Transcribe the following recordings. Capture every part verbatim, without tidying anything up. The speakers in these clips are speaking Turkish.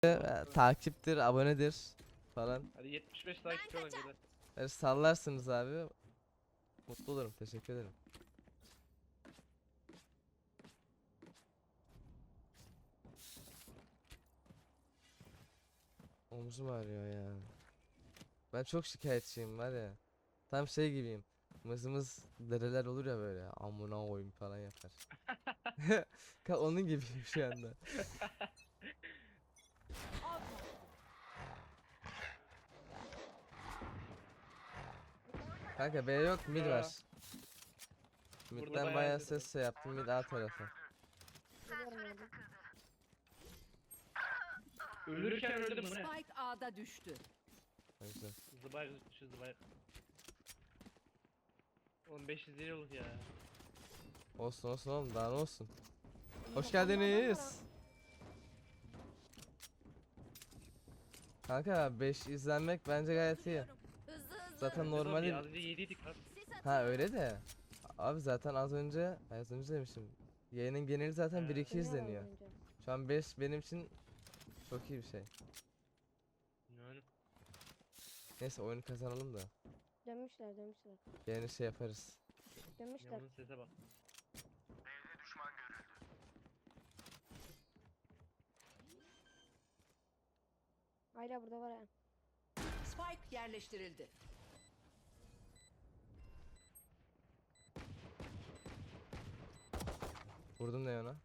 e, takiptir, abonedir falan. Hadi yetmiş beş takipçi olun kadar. Böyle sallarsınız abi. Mutlu olurum. Teşekkür ederim. Omzum ağrıyor ya. Ben çok şikayetçiyim var ya. Tam şey gibiyim. Mızımız dereler olur ya böyle. Amına koyayım falan yapar. Ka- Onun gibiyim şu anda. Kanka B yok, mid var. Mid'den bayağı bayağı ses ses şey yaptım, mid A tarafı. Ölürken öldüm bu ne? Spike A'da düştü. Ne güzel. Zıbayık şu zıbayık. Oğlum beş yüz lira olur ya. Olsun olsun oğlum, daha ne olsun. Hoş geldiniz. Kanka beş izlenmek bence gayet iyi. Zaten normali. Az önce yediydik lan. Ha öyle de. Abi zaten az önce az önce demişim. Yayının geneli zaten bir iki izleniyor. Şu an beş benim için çok iyi bir şey. Yani. Neyse oyunu kazanalım da. Dönmüşler dönmüşler. Yeni şey yaparız. Dönmüşler. Yavrum sese bak. Hala burada var ha. Spike yerleştirildi. Vurdum ne ona?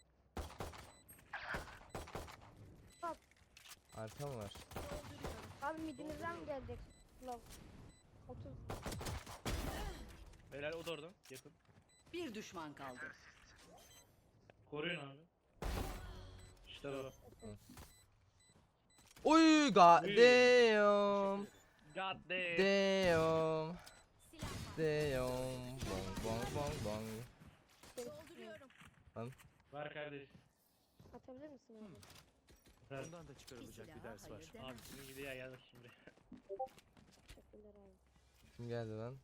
Bak. Arka mı var? Abi midinizden mi gelecek? Love. otuz. Beyler o da orada. Yakın. Bir düşman kaldı. Koruyun abi. İşte bu. Oy god Uy. damn. God damn. Damn. Damn. Bong bong bong bong. Dolduruyorum. Var kardeş. Atabilir misin abi? Ver. Bundan da çıkarılacak bir ders var. Abi sizin gibi ya geldik şimdi. Teşekkürler abi. Kim geldi lan?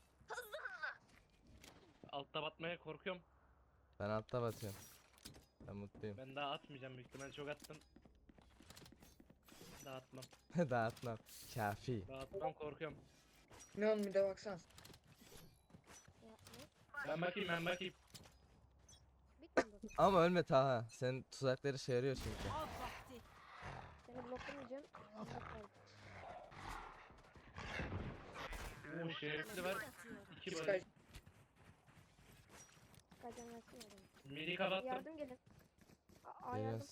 Altta batmaya korkuyorum. Ben altta batıyorum. Ben mutluyum. Ben daha atmayacağım büyük ihtimalle çok attım. Daha atmam. Dağıtmam. Kafi. Daha atmam korkuyorum. Neon bir de baksana. Ya, ne? Ben bakayım ben bakayım. Bitmedi mi? Ama ölme Taha. Senin tuzakları işe yarıyor çünkü. Av vakti. Seni bloklamayacağım. Blok kaldı. Oo şerefli var. İki Sky. barış. Kacan versene adamı. Midi kapattım. Yardım gelin. A, A yardım. Geliyoruz.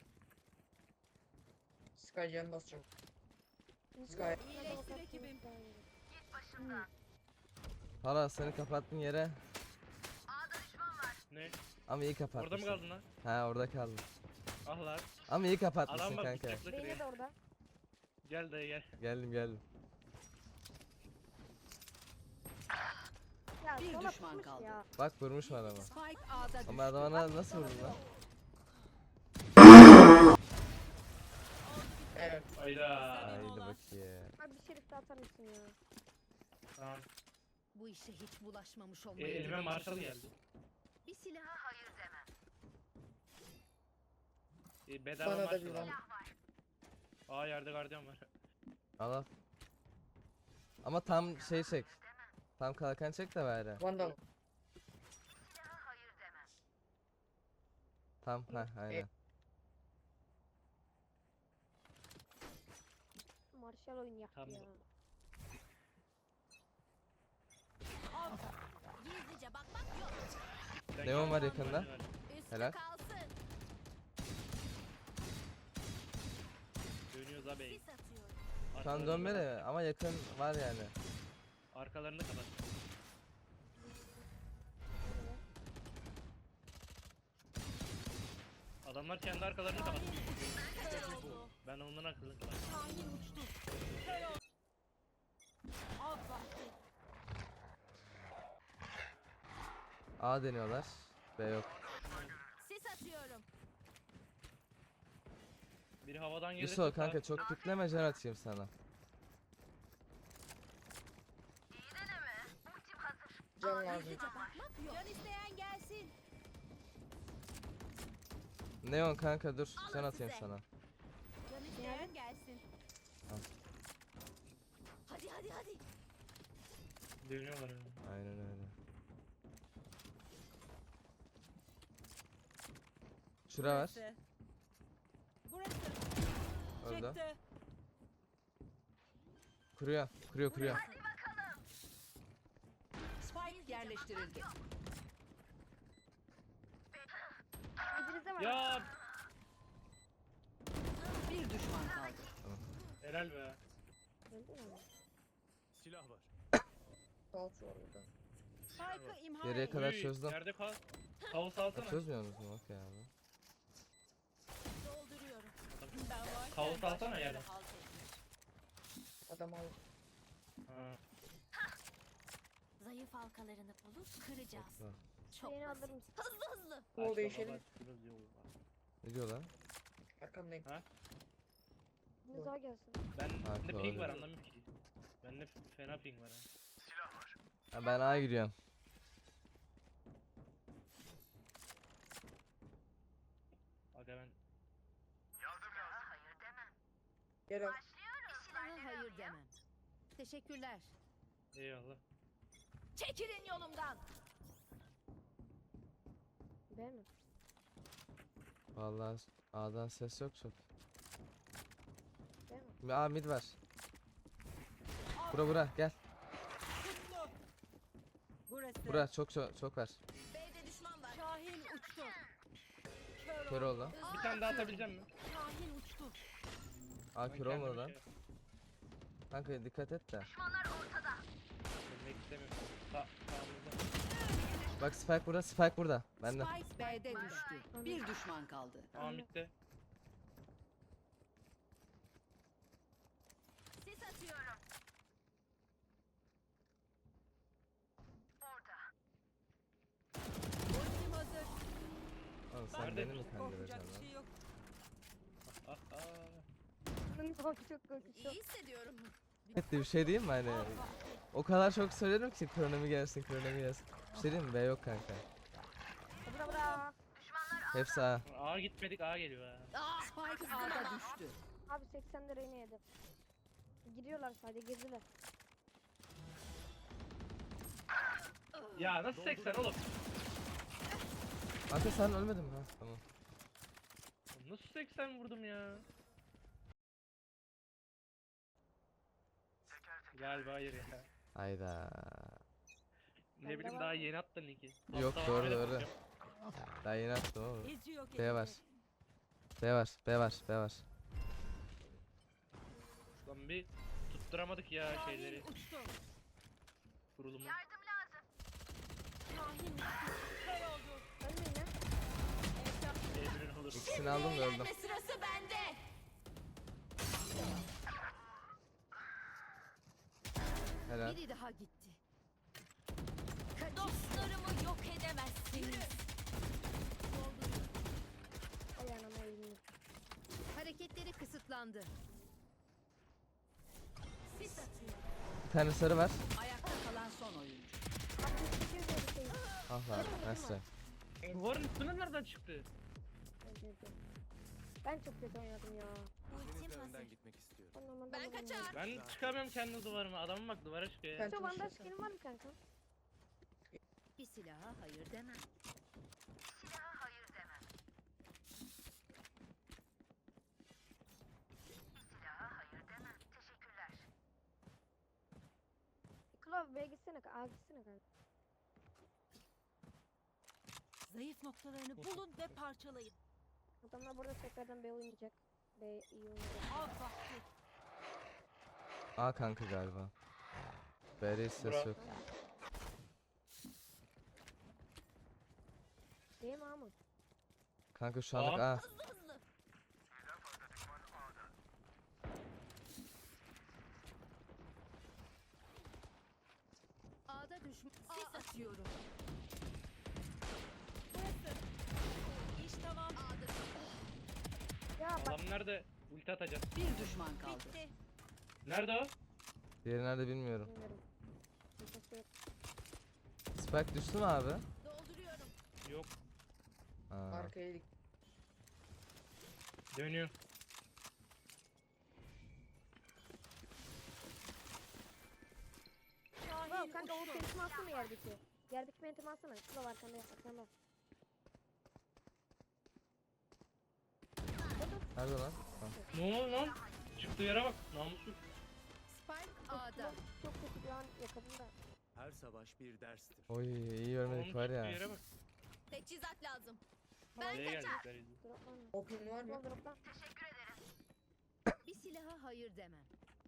Sky can basacağım. Sky. İyileştir ekibim. Hala seni kapattın yere. Ne? Ama iyi kapatmışsın. Orada mı kaldın lan? Ha orada kaldım. Ah lan. Ama iyi kapatmışsın Adam bak kanka. bıçakla Beyne kırıyor. de orada. Gel dayı gel. Geldim geldim. Ya Bir sola düşman tutmuş kaldı. ya. Bak vurmuş var ama. Spike A'da düştü. Ama adama nasıl vurdun lan? Evet. Hayda. Haydi bakayım. Abi bir şerif de atar mısın ya? Tamam. Bu işe hiç bulaşmamış E, olmayı. elime Marshall geldi. Bir silaha hayır demem. E, bedava Bana da Marshall bir var. var. Aa yerde gardiyan var. Al al. Ama tam şey çek. Tam kalkan çek de bari. Vandal. Tam ha aynen. Marshall oyun yaptı Tamam. ya. Gizlice bakmak yok. Sen Neon gel. var yakında. Üstü Helal. kalsın. Dönüyoruz abi. Sis atıyorum. Şu an Arkalarını dönme kapat. de ama yakın var yani. Arkalarını kapat. Adamlar kendi arkalarını kapat. Ben ondan akıllı kapat. Av vakti. A deniyorlar. B yok. Sis atıyorum. Biri havadan gelirse Yusuf kanka çok pikleme, can atayım sana. Can lazım. Gizlice bakmak yok. Can isteyen gelsin. Neon kanka dur, can Alın atayım size. sana. hadi hadi. Dönüyorlar yani. Aynen öyle. Şura var. Burası. Orada. Çıktı. Kuruyor. Kuruyor kuruyor. Spike yerleştirildi. Midinizde var. Ya Bir düşman kaldı. helal be. Öldü mü? Silah var. Sağ şu orada. Spike'ı imha Geriye et. kadar Uy, çözdüm. Yerde kal. Kaos alsana. Çözmüyor musun? Okey abi. Dolduruyorum. Ben varken Kaos alsana başkaları yerden. halt etmiş. Adam al. Ha. Zayıf halkalarını bulup kıracağız. Bak. Çok Şeyini basit. alır mısın? Hızlı hızlı. Kol Başla değişelim. baba, şurası yol var. Ne diyor lan? Arkandayım. Biriniz daha gelsin. Ben Haklı, de ping var öyle. anlamıyorum ki. Bende f- fena ping var ha. Ha, ben A'ya giriyorum. Aga ben Gel al. Silaha hayır demem. Teşekkürler. eyvallah. Çekilin yolumdan. B mi? Vallahi A'dan ses yok çok. B mi? A mid var. Bura bura gel. Kutlu. Burası. Bura çok çok çok var. B'de düşman var. Şahin uçtu. Kör, Kör oldu. Bir tane daha atabileceğim mi? Şahin uçtu. A Ben kör olmadı kendime lan. şey- Kanka dikkat et de. Ölmek istemiyorum. Sa sağımızda. Bak Spike burada, Spike burada. Bende. Spike B'de düştü. Bir düşman kaldı. Ahmet'te. Sis atıyorum. Ultim hazır. Oğlum sen Nerede? beni mi kandıracaksın lan? yok. Ah ah. Bunun çok çok korkunç. İyi hissediyorum. Evet bir şey diyeyim mi hani? O kadar çok söylerim ki kronomi gelsin, kronomi gelsin. Bir şey diyeyim mi? B yok kanka. Bura bura. Hepsi A. A gitmedik A geliyor ha. Spike A'da düştü. Abi seksen lira yine yedim. Giriyorlar sadece girdiler. Ya nasıl seksen oğlum? Kanka sen ölmedin mi? Ha, tamam. Nasıl seksen vurdum ya? Galiba hayır ya. Hayda. Ne Bende bileyim var daha mı? yeni attın linki. Yok, Hatta doğru, öyle doğru. bakacağım. Daha yeni attım oğlum. İzi yok B var. B var, B var, B var. Lan bir tutturamadık ya şeyleri. uçtu. Kurulumu. Şahin uçtu. Kör oldu. Ölmeyin ya. Emrin olur. İkisini aldım da öldüm. Eğlenme sırası bende. Helal. Biri daha gitti. Dostlarımı yok edemezsiniz. Ay anama eğildim. Hareketleri kısıtlandı. Sis atıyorum. Bir tane sarı var. Ayakta kalan son oyuncu. altmış sekiz lira şey. Ah lan, nasıl? Duvarın üstüne nereden çıktı? Öldü. Ben çok kötü oynadım ya. Ultim Biriniz hazır. önden gitmek istiyorum. Ben, normalde Ben alamam kaçar. Ben çıkamıyorum kendi duvarıma. Adamın bak duvara çıkıyor ya. Ben- Şu bandaj skill'in var mı kanka? Bir silaha hayır demem. Klov B'ye gitsene kanka. A gitsene kanka. Zayıf noktalarını bulun ve parçalayın. Adamlar burada tekrardan B oynayacak. B iyi oynayacak. Av vakti. A kanka galiba. B'de hiç ses Bura. yok. B mi A mı? Kanka şu anlık A. A. Hızlı hızlı. A'da düşman. Sis atıyorum. Burası. İş tamam. Ya bak Adam nerede? Ulti atacağız. Bir düşman kaldı. Bitti. Nerede o? Diğeri nerede bilmiyorum. bilmiyorum. Kimsesi yok. Spike düştü mü abi? Dolduruyorum. Yok. Aa. Arkaya dik. Dönüyor. Klov kanka o pentimi alsana yerdeki. Yerdeki pentimi alsana. Klov arkanda yap. Arkanda. Nerede lan? Ha. Ne oldu lan? Çıktığı yere bak. Namussuz. Spike A'da. Çok kötü bir an yakaladım da. Her savaş bir derstir. Oy iyi Onun görmedik var çıktığı ya. yere bak. Teçhizat lazım. Nereye geldikler izle. Droplan. Open var mı? Klov droplan. Bir silaha hayır demem.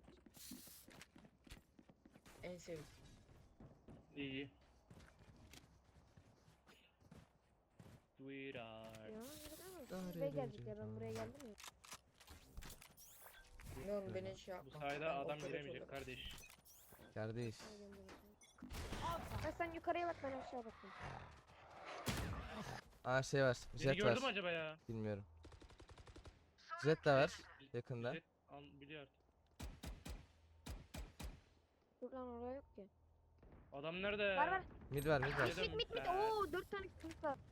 En sevdiğim. İyi iyi. Sweetheart. Ya yürü Daha Buraya iyi geldik ya ben bence. buraya geldim ya. Ne oğlum beni şey Bu yapma. sayede Ben adam operatörüm. giremeyecek kardeş. Kardeş. Ha, sen yukarıya bak ben aşağı bakayım. Aa şey var. Beni Jet gördü mü var. acaba ya? Bilmiyorum. Jet de var. Yakında. Jet an- biliyor artık. Dur lan oraya yok ki. Adam nerede? Var var. Mid var mid var. Yedim. Mit mit mit. Ben- Oo dört tane kılıç var.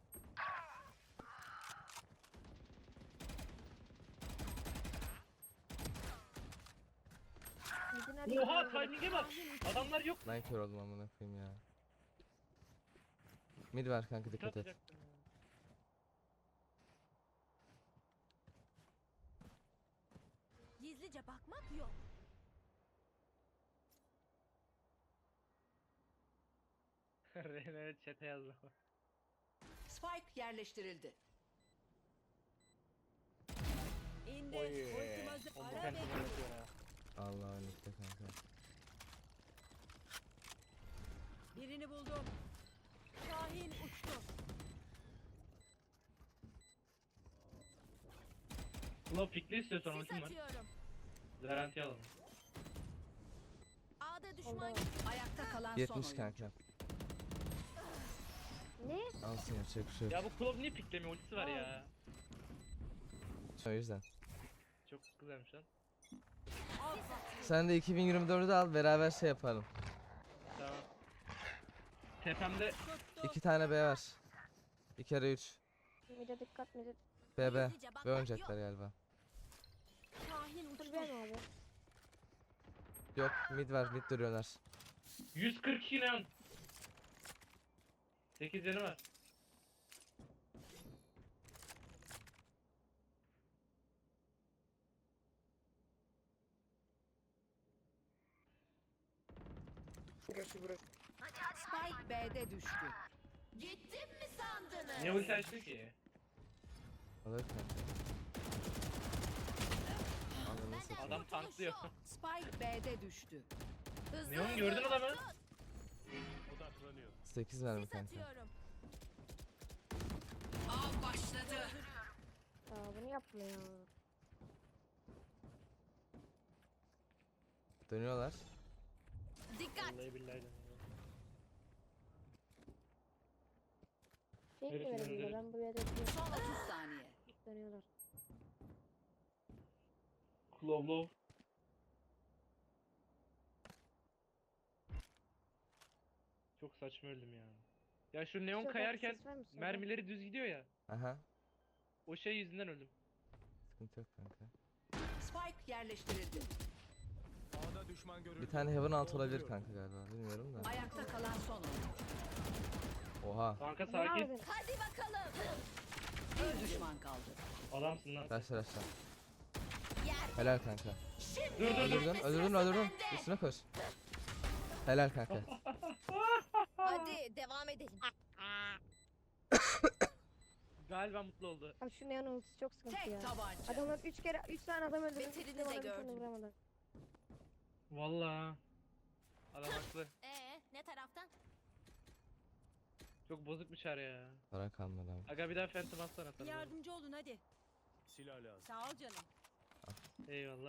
Midin her Oha yerinde var. timing'e bak. Adamlar yok. Lan kör oldum amına koyayım ya. Mid var kanka dikkat et. Atacaktım ya. Gizlice bakmak yok. Reyna chat'e yazdı. Spike yerleştirildi. İndi. Oy. Ultim hazır. Onu Ara kendime bekliyor. yapıyor ha. Allah önlükte kanka. Birini buldum. Şahin uçtu. Ulan pikli istiyorsan Sis ultim var. atıyorum. Garanti alalım. A'da düşman Allah. Ayakta kalan son yetmiş oyuncu. kanka. Ne? Alsın yapacak bir şey yok. Ya bu Klov niye piklemiyor? Ultisi var ya. O yüzden. Çok güzelmiş lan. Sen de iki bin yirmi dördü al beraber şey yapalım. Tamam. Tepemde tuttu. İki tane B var. Bir kere üç. Mide dikkat mide. B B. Gizlice bakmak B oynayacaklar galiba. Şahin Dur uçtu. ben abi. Yok mid var mid duruyorlar. yüz kırk iki lan. sekiz canı var. Burası burası. Spike B'de düştü. Gittim mi sandınız? Niye ulti açtın ki? Alır kanka. Anladın satayım. Adam tanklıyor. Spike B'de düştü. Hızlı Neon hızlı. gördün adamı? Odaklanıyor. sekiz verme Sis kanka. atıyorum. Av başladı. Aa bunu yapma ya. Dönüyorlar. Dikkat. Vallahi billahi de. Şey mi Herifin verelim ya önünde- ben buraya da Son otuz saniye. dönüyorlar. Klov lov. Çok saçma öldüm ya. Ya şu neon Şöyle kayarken ses ver misin? mermileri düz gidiyor ya. Aha. O şey yüzünden öldüm. Sıkıntı yok kanka. Spike yerleştirildi. A'da düşman görüldü. Bir tane heaven alt olabilir Dolduruyorum. kanka galiba. Bilmiyorum da. Ayakta kalan son oyuncu. Oha. Kanka Ne sakin. yaptın? Hadi bakalım. Bir düşman kaldı. Adamsın lan. Arkadaşlar aşağı. Yer. Helal kanka. Dur dur dur. Öldürdün öldürdün öldürdün. Üstüne koş. Helal kanka. Hadi devam edelim. Galiba mutlu oldu. Abi şu neon ultisi çok sıkıntı ya. Tek tabanca. Adamlar üç kere üç tane adam öldürdü. Beterini hiçbiri de bana bir tane gördüm. vuramadı. Vallahi. Adam haklı. Ee, ne taraftan? Çok bozuk bir çare ya. Para kalmadı abi. Aga bir daha phantom atsana sana. Yardımcı olun hadi. Silah lazım. Sağ ol canım. Eyvallah.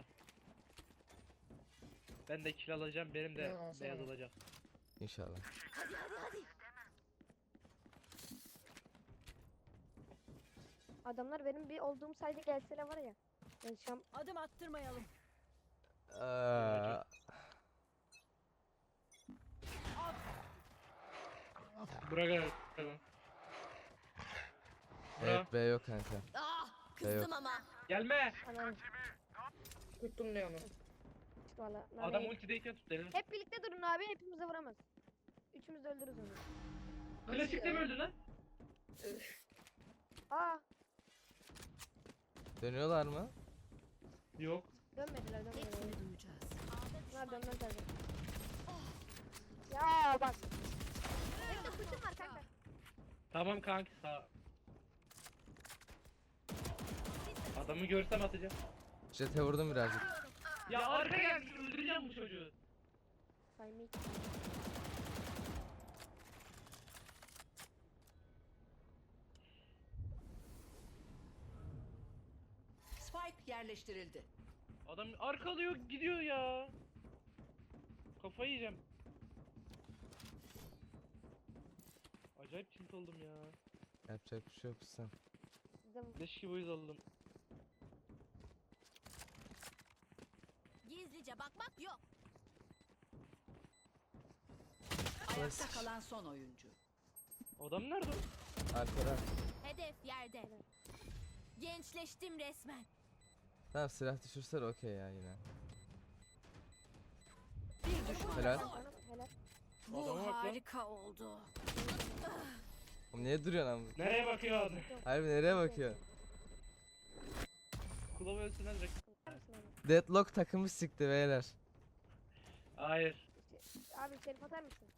Ben de kill alacağım, benim de Ya, alsana. beyaz olacak. İnşallah. Hadi hadi hadi. Adamlar benim bir olduğum sayede gelseler var ya. Ben şam Adım attırmayalım. Aa, Bırak abi. Tamam. evet B yok kanka. Ah, Şey yok. kızdım ama. Gelme. anam Tuttum Neon'u. açtı valla. Nane Adam yedi. ultideyken tut derim. Hep birlikte durun abi, hepimizi vuramaz. Üçümüz de öldürürüz onu. Klasikte mi öldün lan? Aa, Dönüyorlar mı? Yok. dönmediler dönmediler. Hepsini duyacağız. Bunlar dönmez tabii. Ya bak. Benim de kuşum var kanka. Tamam kanki sağ. Adamı görsem atacağım. Jet'e vurdum birazcık. Ya arka gelmiş öldüreceğim bu çocuğu. Saymik. Spike yerleştirildi. Adam arkalıyor gidiyor ya. Kafayı yiyeceğim. Acayip tilt oldum ya. Yapacak bir şey yok sen. Bizim Leş gibi uyuz oldum. Gizlice bakmak yok. Ayakta kalan son oyuncu. Adam nerede o? Arkada. Hedef yerde. Gençleştim resmen. Tamam silah düşürsen okey ya yine. Bir düşman Helal. kaldı. bana helal. Bu Adama bak lan. harika oldu. Oğlum niye duruyorsun abi? Nereye bakıyor adam? Harbi nereye bakıyor? Kulağı ölsün hadi. Bakar mısın abi? Deadlock takımı sikti beyler. Hayır. Abi şerif atar mısın?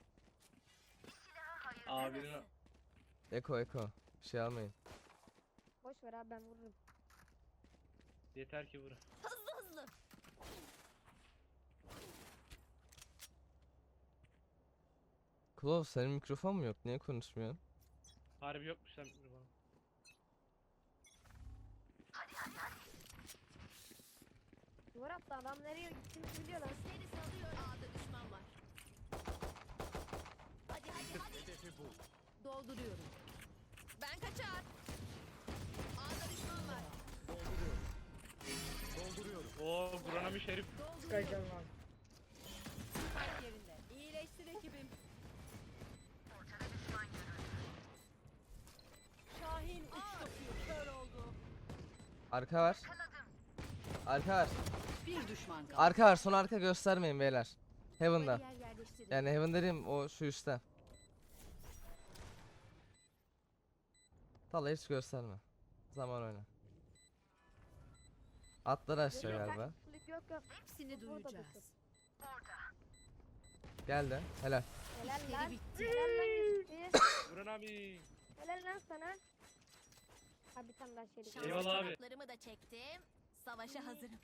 Abinin Eko eko. Bir şey almayın. Boş ver abi, ben vururum. yeter ki vur. Hızlı hızlı. Klov senin mikrofon mu yok? Niye konuşmuyorsun? Harbi yokmuş lan bana. Duvar attı, adam nereye gittiğini biliyor lan. Seni salıyor. A'da düşman var. Hadi hadi hadi. Hedefi bul. Dolduruyorum. Ben kaçar. A'da düşman var. Dolduruyorum. Dolduruyorum. Oo burana bir şerif. Çıkaracağım abi. Spike yerinde. İyileştir ekibim. Şahin uçtu. Kör oldu. Arka var. Arka var. Bir düşman kaldı. Arka var. Son arka göstermeyin beyler. Heaven'da. Bariyer yerleştirin. Yani Heaven dediğim o şu üstte. Tala hiç gösterme. Zaman oyna. Atlar aşağı galiba. Flip yok yok. Hepsini Burada duyacağız. Geldi. Helal. Helal İşleri lan. bitti. Helal lan gitti. Buran abi. Helal lan sana. Abi bir tane daha şerif. Şanslı Eyvallah abi. kanatlarımı da çektim. Savaşa hazırım.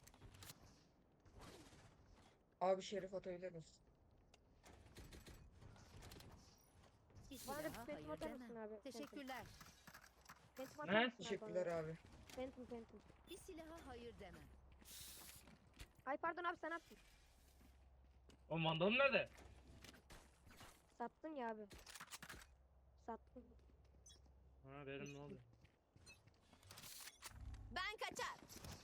Abi şerif atabilir misin? Bir Bana da silaha bir phantom hayır atar demem. mısın abi? Teşekkürler. Phantom Ne? atar mısın abi Teşekkürler bana? abi. Phantom phantom. Bir silaha hayır demem. Ay pardon abi, sen attın. O mandalın nerede? Sattın ya abi. Sattın. Ha derim ne oldu? Ben kaçar.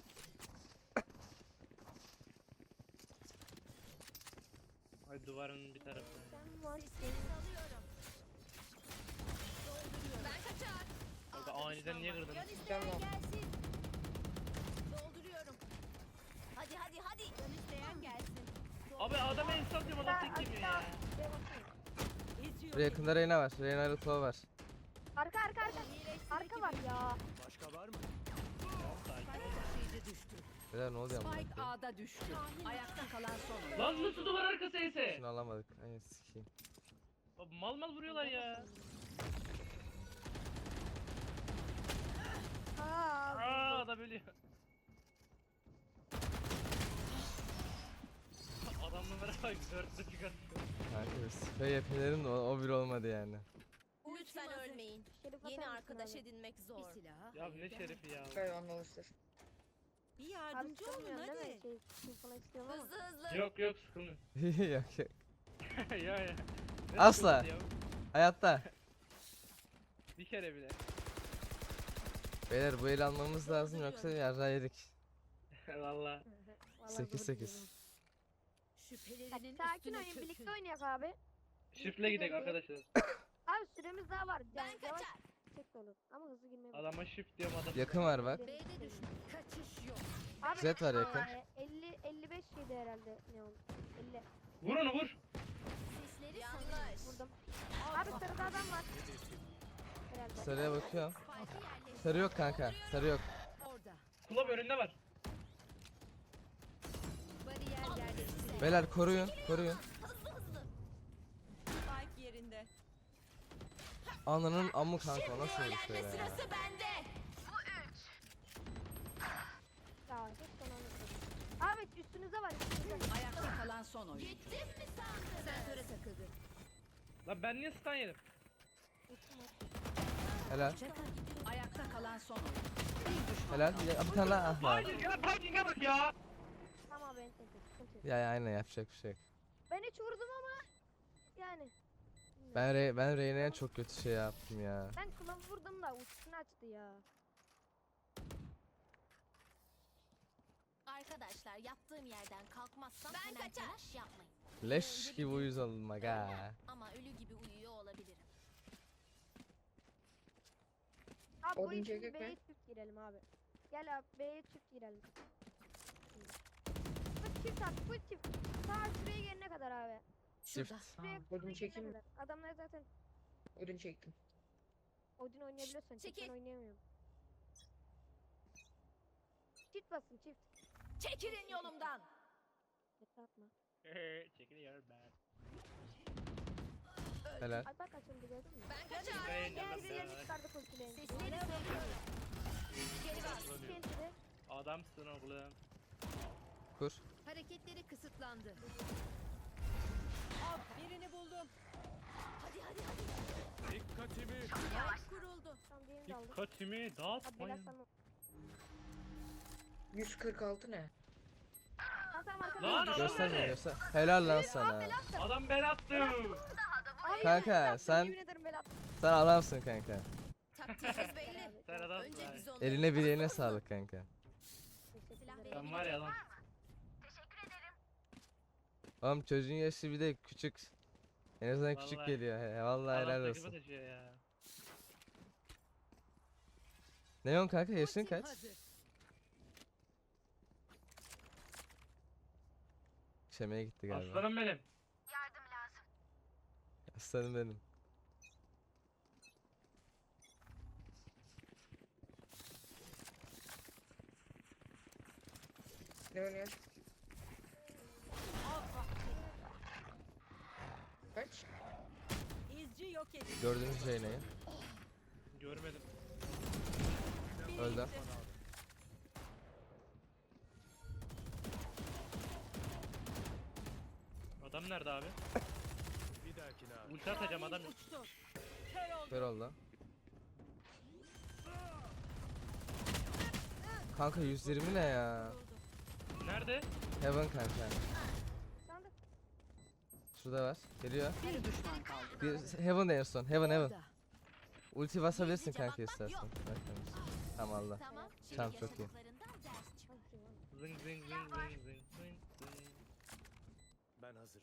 Ay duvarın bir tarafı. Sen var. Sesleri salıyorum. Dolduruyorum. Ben kaçar. Kanka A'da aniden düşman niye var. kırdın? Can isteyen Tamam. gelsin. Dolduruyorum. Hadi hadi hadi. Can isteyen gelsin. Abi adama insan atıyorum adam tek yemiyor ya. Şuraya baksana. Buraya yakında Reyna var. Reyna ile Klov var. Arka arka arka. İyileştir Arka var ya. Başka var mı? Taşıyıcı düştü. Beyler ne oluyor amına Spike koyayım? A'da düştü. Ayakta kalan son oyuncu. Lan nasıl duvar arkası ise? Şunu alamadık. Ay sikeyim. Abi mal mal vuruyorlar ya. Aa. Aa da böyle. Adamlara bak dörtte çıkarttı. Kanka sprey yapılarım da o, o bir olmadı yani. Lütfen ölmeyin. Şerif Yeni atar mısın arkadaş abi? edinmek Bir zor. silaha Ya hayır ne demem. şerifi ya. Gayet anlaşılır. Bir Abi yardımcı olun sıkılmıyorsun değil mi? hadi. Şey, şey falan istiyorum ama. Hızlı hızlı. Yok yok sıkılmıyor. Yok yok. ya ya. Ne Asla. sıkılması ya? Hayatta. Bir kere bile. Beyler bu el almamız lazım yoksa yarra yedik. Valla. Vallahi sekiz zor sekiz. diyorum. Şüphelerinin Sakin üstüne oynayın, birlikte çökün. oynayak abi. Şifle gidelim arkadaşlar. Abi süremiz daha var. Ben Yani yavaş kaçar. çek de olur. Ama hızlı girmeye bak. Adama shift diyorum adam. Yakın var bak. B'de düşman. Kaçış yok. Abi, Jet var yakın. eee, elli elli beş yedi herhalde. herhalde neon. elli. Vur onu vur. Sesleri Yanlış. Vurdum. Abi sarıda adam var. Herhalde. Sarıya bakıyorum. Spike'ı yerleştir. Sarı yok kanka. Sarı yok. Orada. Kulüp önünde var. Bariyer yerleştirildi. Beyler koruyun. Koruyun. Spike yerinde. Ananın amı kanka. o Nasıl bir şey ya? bende. Ya hiç son anlatmadım. Abi üstünüzde var üstünüzde. Ayakta kalan son oyuncu. Sentöre takıldı. Lan ben niye stun yedim? Helal. Ayakta kalan son oyuncu. Bir düşman Helal. kaldı. Ya, bir tane daha. Ah lan. Hayır ya timing'e bak ya. Tamam ben tek sıkıntı yok. Ya, ya aynen yapacak bir şey yok. Ben hiç vurdum ama yani. Ben Re ben Reyna'ya çok kötü şey yaptım ya. Ben kulağı vurdum da uçuşunu açtı ya. Arkadaşlar yattığım yerden kalkmazsam hemen telaş yapmayın. Leş gibi uyuz oldum aga. Ama ölü gibi uyuyor olabilirim. Abi bu Odun işin çekek mi? B'ye çift girelim abi. Gel abi B'ye çift girelim. Bu çift at bu çift. Ta şuraya gelene kadar abi. Çift. Şuraya Odun şuraya çekeyim gelene mi? kadar. Adamlar zaten Odun çektim. Odin oynayabiliyorsan çift ben çekil. oynayamıyorum. Çift basın çift. Çekilin yolumdan. Çift atma. Çekiliyor ben. Helal. Ay bak açıldı gördün mü? Ben kaçar. Ben Gel yandım bize yeni ben. çıkardık ultilerini. Sesleri söylüyorum. Geri bas. Kentide. Adamsın oğlum. Kur. Hareketleri kısıtlandı. Birini buldum. Hadi hadi hadi. Dikkatimi. Kuruldu. Tamam diğerini de aldık. Dikkatimi Abi bela dağıtmayın. sana. yüz kırk altı ne? Tamam tamam arkada. Lan adam Gösterme nerede? göster. Helal lan sana. Adam ben attım. Ay, Kanka, bela attım, sen- yemin ederim bela attım. Sen adamsın kanka. Taktiğimiz belli. Sen adam. Önce biz onları Eline bileğine sağlık kanka. Teşekkür Silah ederim. Sen var ya lan. Oğlum çocuğun yaşı bir de küçük. En azından küçük Vallahi. geliyor. He, vallahi Adam helal takımı olsun. taşıyor ya. Neon kanka yaşın Ultim kaç? hazır. Şemeye gitti galiba. Aslanım benim. Aslanım benim. Ne oynuyor? Kaç? İzci yok edin. Gördüğünüz şey neyi? Görmedim. Biri Öldü. gitti. Adam nerede abi? Bir dahakine abi. Ulti atacağım adam yok. Uçtu. Kör oldu. Kör oldu. Kanka yüz yirmi ne ya? Nerede? Heaven kanka. Sandık. Şurada var. Geliyor. Bir düşman kaldı. Bir Heaven en son. Heaven Heaven. Orada. Ulti basabilirsin Gizlice kanka bakmak istersen. yok. Bak kanka. Tamam Allah. Tamam. Şimdi Tamam, çok iyi. yaşadıklarından ders çıkar. Zing zing zing zing zing zing zing. Ben hazırım.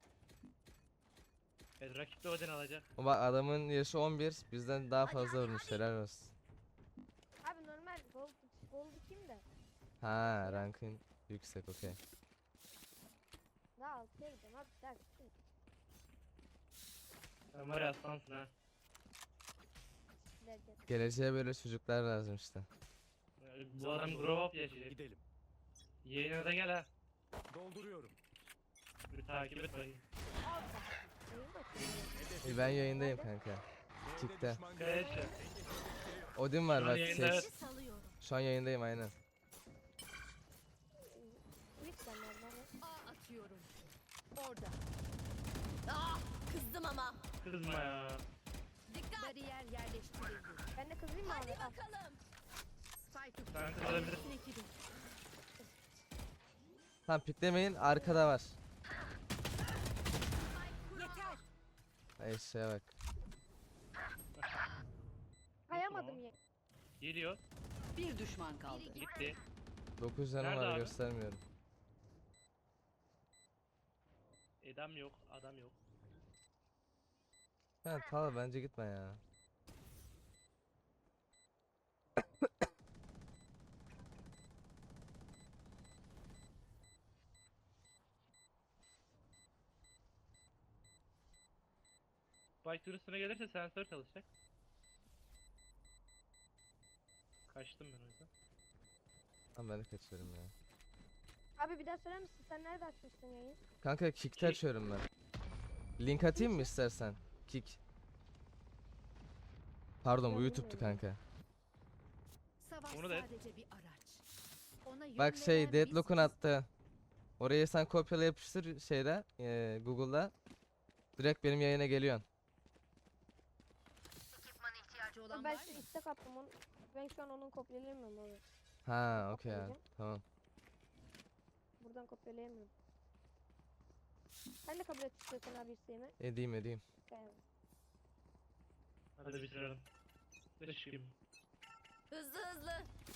Evet rakip de Odin alacak. O bak adamın yaşı on bir. Bizden daha fazla vurmuş. Helal olsun. Abi normal gold gold kim de? Ha rankın yüksek okey. Daha altıya gideceğim abi ders. Sen var ya aslansın ha. Derken. Geleceğe böyle çocuklar lazım işte. Bu adam grow up yaşayacak. Gidelim. Yayına da gel ha. Dolduruyorum. Bir takip et bakayım. Oyun bakıyor. İyi, ben yayındayım kanka. B'de Kickte. düşman Evet. görüldü. Odin var Şu an bak yayında seç. evet. Salıyorum. Şu an yayındayım aynen. Twitch sen nerede? A atıyorum. Orada. Ah, kızdım ama. Kızma ya. Dikkat. Bariyer yerleştirildi. Ben de kızayım mı abi? Hadi Al. bakalım. Spike Sen kızabilirsin. ikili. Tamam piklemeyin arkada var. Yeter. Ay şeye bak. Kayamadım ya. Geliyor. Bir düşman kaldı. Gitti. dokuz canım Nerede var abi? göstermiyorum. Adam yok. Adam yok. Ha Tala bence gitme ya. Spike üstüne gelirse sensör çalışacak. Kaçtım ben o yüzden. Tamam ben de kaçıyorum ya. Abi bir daha söyler misin? Sen nerede açmıştın yayın? Kanka Kick'te Kick. açıyorum ben. Link atayım mı istersen? Kick. Pardon bu Ya YouTube'tu bilmiyorum. kanka. Savaş Onu da- sadece bir araç. Ona yön Bak şey veren Deadlock'un biziz. attı. Oraya sen kopyala yapıştır şeyde eee, Google'da. Direkt benim yayına geliyorsun. İhtiyacı olan Ben var size mı? istek attım. Onu, ben şu an onun kopyalayamıyorum abi. Ha okey ya. Kopyalayacağım. Tamam. Buradan kopyalayamıyorum. Sen de kabul et istiyorsan abi isteğimi. Edeyim edeyim. Gel. Hadi bitirelim. Ne çıkayım? Hızlı hızlı.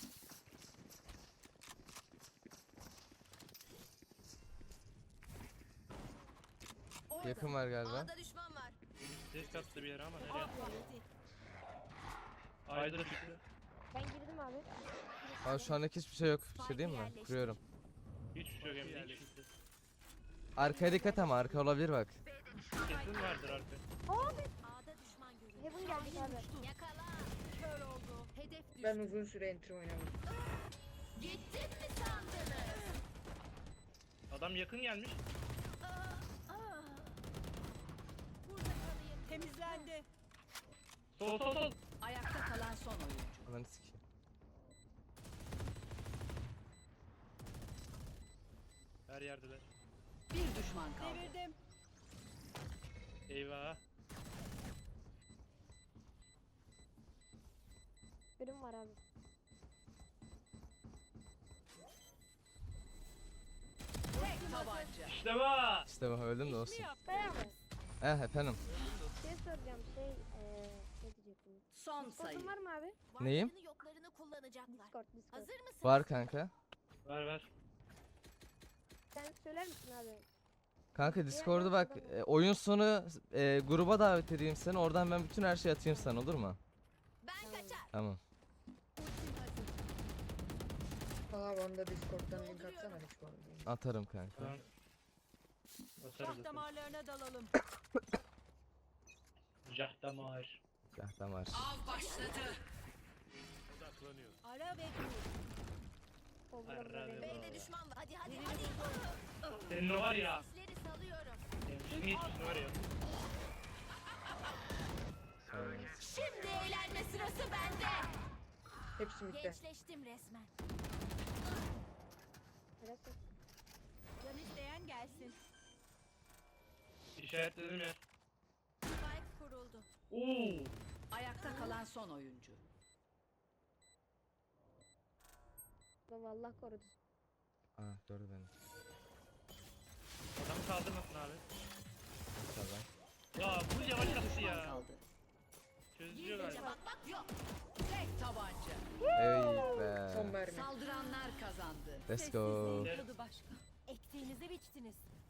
Orada. Yakın var galiba. A'da düşman var. Ses kattı bir yere ama nereye? Vakti. Ayda da çıktı. Ben girdim abi. Aa şu anlık hiçbir şey yok. Bir şey Spike'ı diyeyim mi? yerleştir. Kuruyorum. Hiçbir şey yok hem de hiç çıktı. Arkaya dikkat ama arka olabilir bak. Kesin vardır arka. A'da düşman görüldü. Heaven geldik abi. Yakala. Kör oldu. Hedef düştü. Ben uzun süre enter oynamadım. Gittin mi sandınız? Adam yakın gelmiş. Burada kalayım. Temizlendi. Sol sol sol. Ayakta kalan son oyuncu. Ananı sikeyim. Her yerdeler. Bir düşman kaldı. Devirdim. Eyvah. Birim var abi. Tek tabanca. İşte bu. İşte bak öldüm de olsun. Bey abi. Eh efendim. Şey soracağım şey eee ne diyecektim? Son sayı. Discord'un var mı abi? Neyim? Varlarını yoklarını kullanacaklar. Discord, Discord. Hazır mısın? Var kanka. Ver ver. Sen söyler misin abi? Kanka Discord'u bak e, oyun sonu e, gruba davet edeyim seni. Oradan ben bütün her şeyi atayım sana olur mu? Ben kaçar. Tamam. Ultim hazır. Aa bana da Discord'dan link atsana Discord'dan. Atarım kanka. Tamam. Basarız Şah zaten. damarlarına dalalım. Jah damar. Ya tamam. Av başladı. Odaklanıyor. Ara ve dur. O burada Arra benim. ve- B'de düşman var. Hadi hadi hadi. Senin o var ya. Sesleri salıyorum. Senin hiç var ya. Şimdi eğlenme sırası bende. Hepsi mitte. Gençleştim resmen. Neresi? Can isteyen gelsin. İşaretledim ya. Spike kuruldu. Oo. Ayakta kalan son oyuncu. Baba Allah korudu. Aa gördü beni. Adam kaldırmasın abi. Tamam. Ya bu yavaş Bir attı düşman ya. kaldı. Çözüyor Gizlice galiba. bakmak yok. Tek tabanca. Ey Son be. mermi. Saldıranlar kazandı. Let's go. Sessizliğin tadı başka. Ektiğinizi biçtiniz.